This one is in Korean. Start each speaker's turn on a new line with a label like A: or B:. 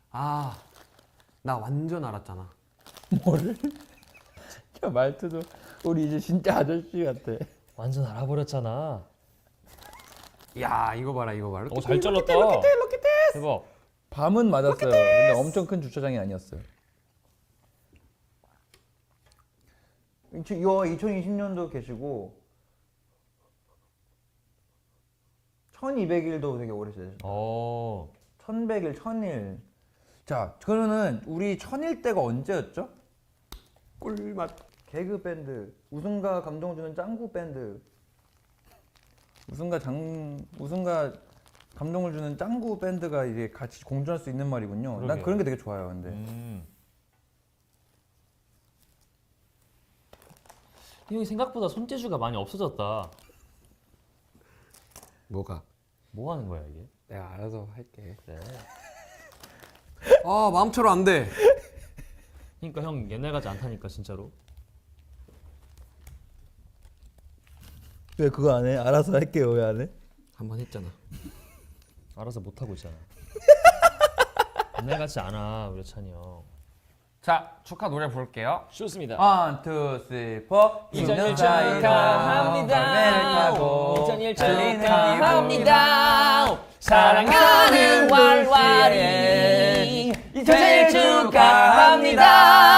A: 아, 나 완전 알았잖아.
B: 뭐를? 야 말투도 우리 이제 진짜 아저씨 같아.
C: 완전 알아버렸잖아.
A: 야, 이거 봐라, 이거 봐라.
C: 잘 잘랐다. 대박.
B: 밤은 맞았어요. 근데 엄청 큰 주차장이 아니었어요. 이거 2020년도 계시고 1200일도 되게 오래 지내셨어요. 1100일, 1000일. 자, 그러면은 우리 1000일 때가 언제였죠?
A: 꿀맛.
B: 개그 밴드, 웃음과 감동을 주는 짱구 밴드. 웃음과 감동을 주는 짱구 밴드가 이제 같이 공존할 수 있는 말이군요. 난
C: 그러게요.
B: 그런 게 되게 좋아요. 근데
C: 형이 생각보다 손재주가 많이 없어졌다.
A: 뭐가?
C: 뭐 하는 거야 이게?
A: 내가 알아서 할게.
C: 그래.
A: 아, 마음대로 안 돼.
C: 그러니까 형 옛날 같지 않다니까 진짜로.
B: 왜 그거 안 해? 알아서 할게요. 왜 안 해?
A: 한번 했잖아.
C: 알아서 못 하고 있잖아. 옛날 같지 않아 우리 찬이 형.
A: 자, 축하 노래 볼게요.
C: 좋습니다.
B: 1, 2, 3, 4
C: 2000일 축하합니다. 2000일 축하합니다. 사랑하는 왈왈이 2000일 축하합니다.